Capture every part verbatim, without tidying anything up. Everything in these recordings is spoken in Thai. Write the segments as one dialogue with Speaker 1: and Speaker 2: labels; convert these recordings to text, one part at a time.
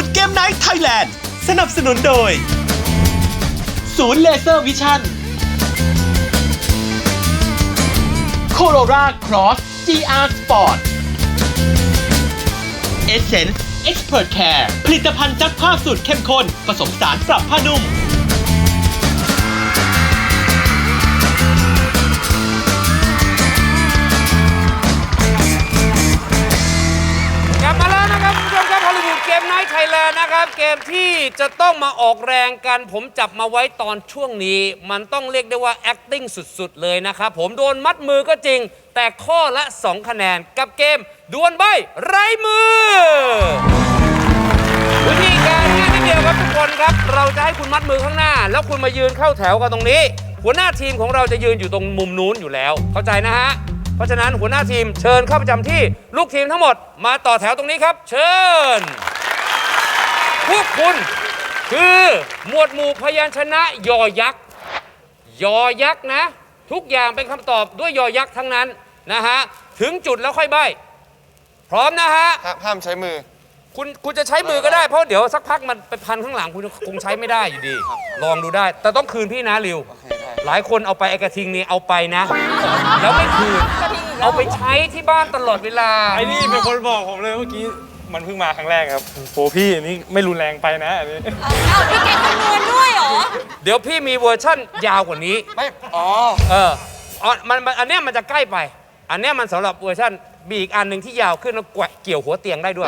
Speaker 1: วูดเกมไนท์ไทยแลนด์สนับสนุนโดยศูนย์เลเซอร์วิชั่นโคโรราครอส จี อาร์ Sport Essence Expert Care ผลิตภัณฑ์ซักผ้าสูตรเข้มข้นผสมสารปรับผ้านุ่ม
Speaker 2: กลับมาแล้วนะครับคุณผู้ชมครับฮอลลีวูดเกมไนท์ไทยแลนด์นะครับเกมที่จะต้องมาออกแรงกันผมจับมาไว้ตอนช่วงนี้มันต้องเรียกได้ว่า acting สุดๆเลยนะครับผมโดนมัดมือก็จริงแต่ข้อละสองคะแนนกับเกมดวลใบ้ไร้มือวิธีการง่ายนิดเดียวครับทุกคนครับเราจะให้คุณมัดมือข้างหน้าแล้วคุณมายืนเข้าแถวกันตรงนี้หัวหน้าทีมของเราจะยืนอยู่ตรงมุมนู้นอยู่แล้วเข้าใจนะฮะเพราะฉะนั้นหัวหน้าทีมเชิญเข้าประจำที่ลูกทีมทั้งหมดมาต่อแถวตรงนี้ครับเชิญพวกคุณคือหมวดหมู่พยัญชนะยอยักษ์ยอยักษ์นะทุกอย่างเป็นคำตอบด้วยยอยักษ์ทั้งนั้นนะฮะถึงจุดแล้วค่อยใบ้พร้อมนะฮะ
Speaker 3: ห้ามใช้มือ
Speaker 2: คุณคุณจะใช้มือก็ได้เพราะเดี๋ยวสักพักมันไปพันข้างหลังคุณคงใช้ไม่ได้อยู่ดีลองดูได้แต่ต้องคืนพี่นะริวหลายคนเอาไปไอกระทิงนี่เอาไปนะแล้วไม่คืนเอาไปใช้ที่บ้านตลอดเวลา
Speaker 3: ไอ้นี่เป็นคนบอกผมเลยเมื่อกี้มันเพิ่งมาครั้งแรกครับโหพี่อันนี้ไม่รุนแรงไปนะอันนี้
Speaker 4: เอาพี่เก่งคำนวณด้วยเหรอ
Speaker 2: เดี๋ยวพี่มีเวอร์ชั่นยาวกว่านี้
Speaker 3: ไม่อ๋อ
Speaker 2: เอออ๋อมันอันเนี้ยมันจะใกล้ไปอันเนี้ยมันสำหรับเวอร์ชั่นมีอีกอันหนึ่งที่ยาวขึ้นแล้วเกี่ยวหัวเตียงได้ด้วย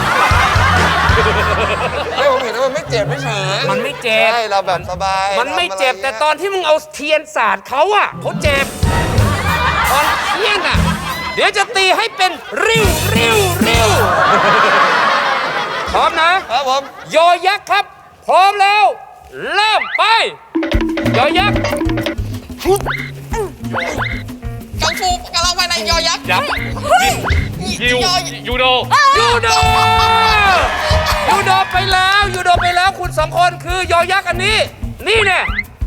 Speaker 3: ไม่ผมเห็นว่ามันไม่เจ็บไม่เฉย
Speaker 2: มันไม่เจ็บ
Speaker 3: ใช่เราแบบสบาย
Speaker 2: มันไม่เจ็บแต่ตอนที่มึงเอาเทียนสาดเขาอะเขาเจ็บตอนเทียนอะเดี๋ยวจะตีให้เป็นริ้วริ้วริ้วพร้อมนะครับ
Speaker 3: ผม
Speaker 2: ยอยักษ์ครับพร้อมแล้วเริ่มไปยอยักษ์
Speaker 4: กังฟูกำลังไปในยอยักษ์
Speaker 2: ยับยูยูโดยูโดยูโดไปแล้วยูโดไปแล้วคุณสองคนคือยอยักษ์อันนี้นี่เนี่ย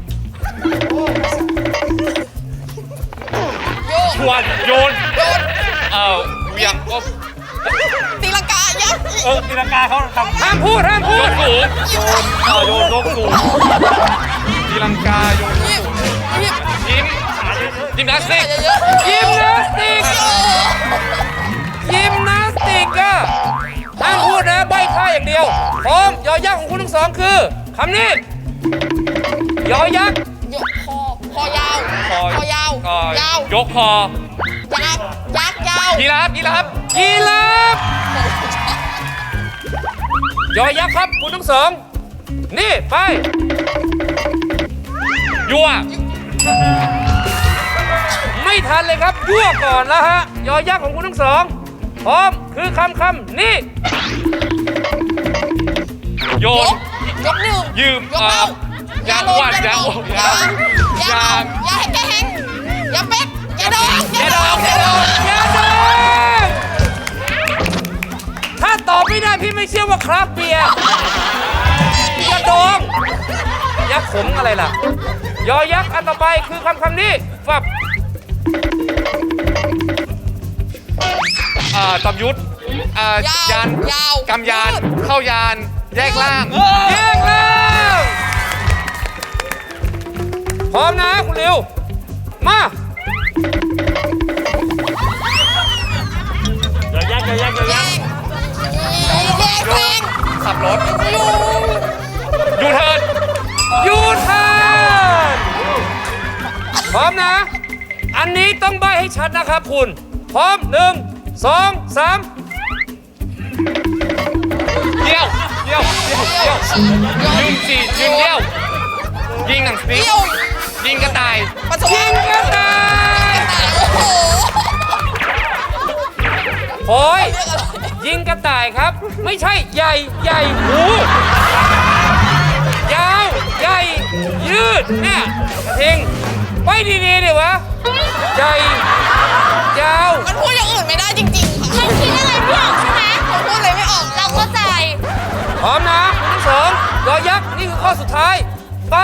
Speaker 2: ชวนโยน
Speaker 4: โยน
Speaker 2: เอ่อเวียงก็
Speaker 4: ตีลังกายักษ์
Speaker 2: เออตีลังกาเขาทำห้ามพูดห้ามพูดโยนสูงโยนเออโยนลงสูงตีลังกาโยนสูงยิ้มยิมนาสติกยิมนาสติกยิมนาสติกอะห้ามพูดนะใบ้ท่าอย่างเดียวพร้อมยอยักษ์ของคุณทั้งสองคือคำนี้ยอยักษ์
Speaker 4: คอคอยาวคอยาวยาวย
Speaker 2: กคอ
Speaker 4: ยักษ์ยักษ์ยาว
Speaker 2: ยีราฟยีราฟยีราฟยอยักษ์ครับคุณทั้งสองนี่ไปยั่วไม่ทันเลยครับยั่วก่อนแล้วฮะยอยักษ์ของคุณทั้งสองพร้อมคือคำคำนี่โยน
Speaker 4: ยกนิ้ว
Speaker 2: ยืม
Speaker 4: ยกเท้า
Speaker 2: อย่าลงอย่าลงอย่า
Speaker 4: อย่าอย่าแกแหงอย่าเป็ดอย่าดอง
Speaker 2: อย่าดองอย่าดองอย่าดองถ้าตอบไม่ได้พี่ไม่เชื่อว่าครับเบียร์อย่าดองยักษ์ขมอะไรล่ะยอยักษ์อันต่อไปคือคำคำนี้ฟับตำยุทธยานกำยานเข้ายานแยกล่างแยกล่างพร้อมนะคุณริวมา
Speaker 3: อย่าแยกอย่าแยกอย่าแยก
Speaker 4: แยกเอง
Speaker 2: ขับรถ
Speaker 4: ยู
Speaker 2: ยูเทิร์นยูเทิร์นพร้อมนะอันนี้ต้องใบ้ให้ชัดนะครับคุณพร้อมหนึ่งสองสามเดี่ยวเดี่ยวเดี่ยวเดี่ยวยืนสี่ยืนเดี่ยวยิงหนังสติ๊กยิงกระต่ายยิงกระต่ายโอ้ยยิงกระต่ายครับไม่ใช่ใหญ่ใหญ่หูยาวใหญ่ยืดเนี่ยทิ้งไปดีๆดิวะใหญ่ยาว
Speaker 4: มันพูดอย่างอื่นไม่ได้จริงๆค่ะมันคิดอะไรไม่ออกใช่ไหมมันพูดอะไรไม่ออกเราเข้าใจ
Speaker 2: พร้อมนะคุณทั้งสองยอยักษ์นี่คือข้อสุดท้ายไป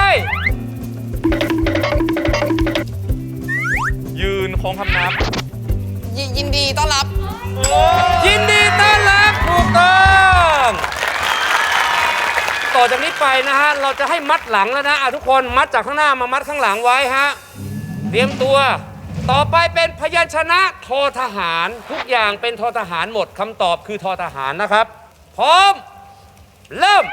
Speaker 2: ยืนโค้งคำนับ
Speaker 4: ยินดีต้อนรับ
Speaker 2: ยินดีต้อนรับถูกต้องอจากนี้ไปนะฮะเราจะให้มัดหลังแล้วนะอ่ะทุกคนมัดจากข้างหน้ามามัดข้างหลังไว้ฮะเตรียมตัวต่อไปเป็นพยัญชนะทอทหารทุกอย่างเป็นทอทหารหมดคำตอบคือทอทหารนะครับพร้อมเริ่ม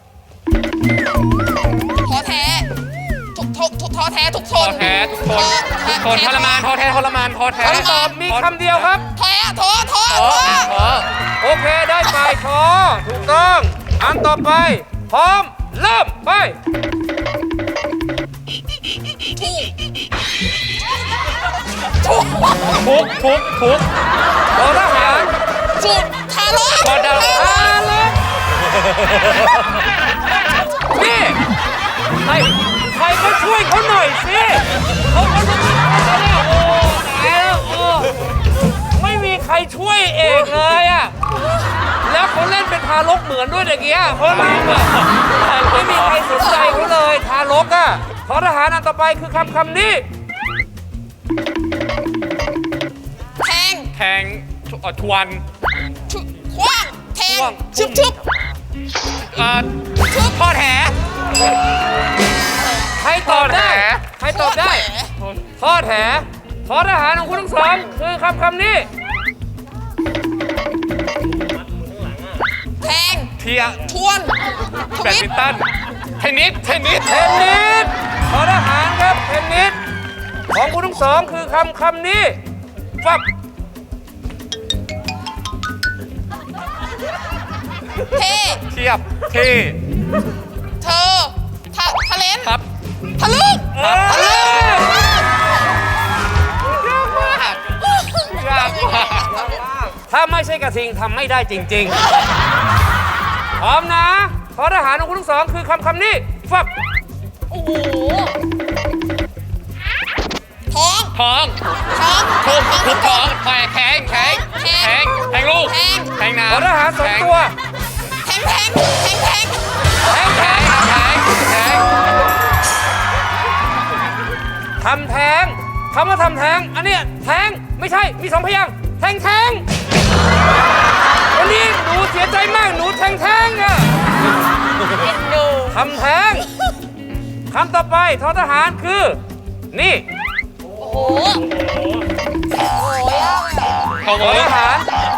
Speaker 4: ท้อแท้ทุกทุกทุกท้อแท้ทุกทน
Speaker 3: ท้อแท้ทุกทน
Speaker 4: ท้อ
Speaker 3: ทนทรมานท้อแท้ทรมานท้อแท้
Speaker 2: คำตอบมีคำเดียวครับ
Speaker 4: แท้ท้อท้อ
Speaker 3: ท้อ
Speaker 4: ท้อ
Speaker 3: ท้อ
Speaker 2: โอเคได้ไปทอถูกต้องอันต่อไปพร้อมเริ่มไป
Speaker 4: ถูกถูก
Speaker 3: ทุกทุกทุก
Speaker 2: ทอทหาร
Speaker 4: ถูกทารก
Speaker 3: ทอดาว
Speaker 2: อาลกนี่ใครใครก็ช่วยเขาหน่อยสิเขาเขาจะมีใครแล้วโอ้ตายแล้วโอ้ไม่มีใครช่วยเอกเลยอ่ะแล้วเขาเล่นเป็นทารกเหมือนด้วยเด็กเกี้ยเขาลืมอ่ะไม่มีใครสนใจเขาเลยทารกอ่ะทอทหารอันต่อไปคือคำคำนี้
Speaker 4: แทง
Speaker 3: แทงเอ่อทวน
Speaker 4: ชุคว้างแทง
Speaker 2: คว้าง
Speaker 4: ชึบชึบ
Speaker 3: เอ่อ
Speaker 4: ชึบ
Speaker 3: ทอดแห
Speaker 2: ใครตอบได้
Speaker 3: ทอดแห
Speaker 2: ใครตอบได้ทอดแหทอทหารของคุณทั้งสองคือคำคำนี้
Speaker 4: แทง
Speaker 3: เทีย
Speaker 4: ทวนท
Speaker 3: แบด
Speaker 4: วิต
Speaker 3: มินตันเทนนิสเทนนิส
Speaker 2: เทนนิสทอทหารครับเทนนิสของคุณทั้งสองคือคำคำนี้ฟับ
Speaker 4: เท
Speaker 3: เทียบเท
Speaker 4: เธอทะทะเลน
Speaker 3: ครับ
Speaker 4: ทะลึ่ง
Speaker 3: ครับ
Speaker 2: เอ้ย
Speaker 3: ยากมากยากมาก
Speaker 2: ถ้าไม่ใช่กระทิงทำไม่ได้จริงๆพร้อมนะทอทหารของคุณทั้งสองคือคำคำนี้ฟับ
Speaker 4: โอ้โหท้อง
Speaker 3: ท้อง
Speaker 4: ท้อง
Speaker 3: ทุบทุบท้องแทงแทงแทงแทงแทงลูก
Speaker 4: แทง
Speaker 3: แทงน้ำ
Speaker 2: ทอทหารสองตัว
Speaker 4: แทงแทงแทงแทง
Speaker 2: แทง
Speaker 3: แท
Speaker 2: แท
Speaker 3: ง
Speaker 2: ง
Speaker 3: แทงแทง
Speaker 2: ทำแท้งคำว่าทำแท้งอันเนี้ยแท้งไม่ใช่มีสองพยางค์แทงแท้งวันนี้หนูเสียใจมากหนูแทงแท้งอะ
Speaker 4: ดู
Speaker 2: ทำแท้งคำต่อไปทอทหารคือ นี่
Speaker 4: โอ้โหโอ้โหยากอะ
Speaker 3: เขา
Speaker 2: ทอทหาร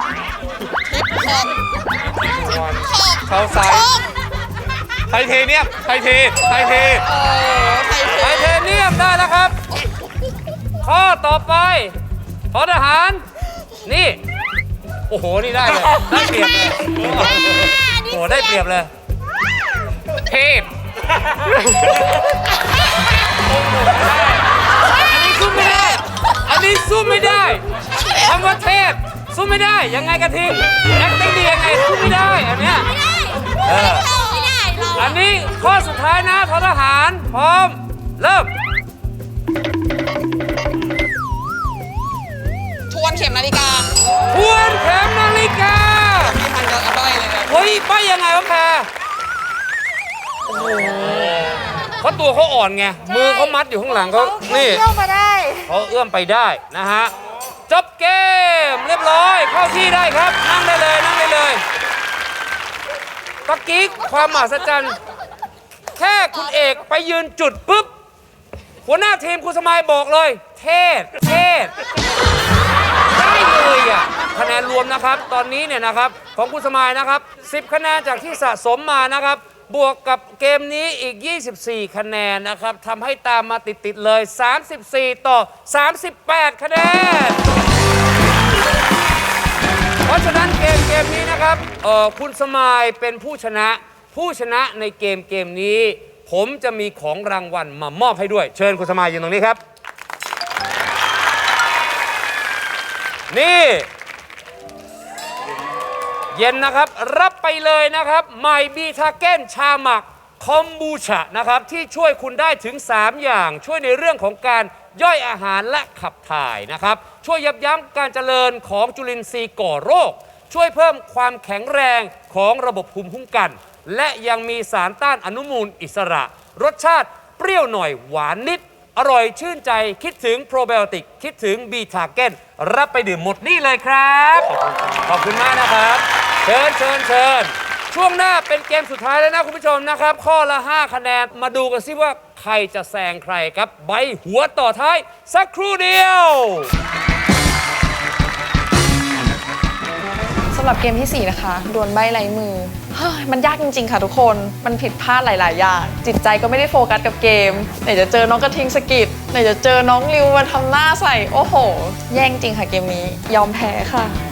Speaker 4: ขอบ
Speaker 3: เขาใส่
Speaker 4: ขอบ
Speaker 3: ไทเทเนียมไทเทไทเท
Speaker 4: โอ้ไทย
Speaker 2: ไทเทเนียมได้แล้วครับ ข้อต่อไปทอทหาร นี่ โอ้โห นี่ได้เลยได้เปรียบเลยโอ้โหได้เปรียบเลย
Speaker 3: เทพ
Speaker 2: อันนี้สู้ไม่ได้ อันนี้สู้ไม่ได้คำว่าเทพสู้ไม่ได้ ยังไงกระทิงนักเต้นดียังไงสู้ไม่ได้ อันเนี้ยเออ
Speaker 4: ไม่ได้เรา
Speaker 2: อันนี้ข้อสุดท้ายนะททหาร พร้อม เริ่ม
Speaker 4: ทวนเข็มนาฬิกา
Speaker 2: ทวนเข็มนาฬิกา
Speaker 4: ไม่ทันจะเอาไปเลยนะ
Speaker 2: เฮ้ยป้ายยังไงวะแพรโอ้โหเพราะตัวเขาอ่อนไง มือเขามัดอยู่ข้างหลังเขานี่
Speaker 4: เที่ยวมาได้
Speaker 2: เขาเอื้อมไปได้นะฮะ จบเกมเรียบร้อย เข้าที่ได้ครับ นั่งได้เลยนั่งได้เลยตะกี้ความมหัศจรรย์แค่คุณเอกไปยืนจุดปุ๊บ หัวหน้าทีมคุณสมัยบอกเลย เทศ เทศ ได้เลยอ่ะคะแนนรวมนะครับ ตอนนี้เนี่ยนะครับ ของคุณสมัยนะครับ สิบ คะแนนจากที่สะสมมานะครับ บวกกับเกมนี้อีก ยี่สิบสี่ คะแนนนะครับทำให้ตามมาติด ๆ เลย สามสิบสี่ ต่อ สามสิบแปด คะแนน เพราะฉะนั้นเกมเกมนี้นะครับเอ่อคุณสมัยเป็นผู้ชนะ ผู้ชนะในเกมเกมนี้ ผมจะมีของรางวัลมามอบให้ด้วย เชิญคุณสมัยยืนตรงนี้ครับ นี่ เย็นนะครับรับไปเลยนะครับไมบีทาเก้นชาหมักคอมบูชานะครับที่ช่วยคุณได้ถึง สาม อย่างช่วยในเรื่องของการย่อยอาหารและขับถ่ายนะครับช่วยยับยั้งการเจริญของจุลินทรีย์ก่อโรค ช่วยเพิ่มความแข็งแรงของระบบภูมิคุ้มกัน และยังมีสารต้านอนุมูลอิสระ รสชาติเปรี้ยวหน่อยหวานนิด อร่อยชื่นใจคิดถึงโปรไบโอติกคิดถึงบีทาเก้นรับไปดื่มหมดนี่เลยครับ ขอบคุณมากนะครับ เชิญเชิญเชิญช่วงหน้าเป็นเกมสุดท้ายแล้วนะคุณผู้ชมนะครับ ข้อละห้าคะแนนมาดูกันซิว่าใครจะแซงใครครับ ใบหัวต่อท้ายสักครู่เดียว
Speaker 5: สำหรับเกมที่ สี่ นะคะดวลใบ้ลายมือเฮ้ยมันยากจริงๆค่ะทุกคน มันผิดพลาดหลายๆอย่างจิตใจก็ไม่ได้โฟกัสกับเกมไหนจะเจอน้องกระทิงสกิดไหนจะเจอน้องริวมาทำหน้าใส่โอ้โห แย่งจริงค่ะเกมนี้ยอมแพ้ค่ะ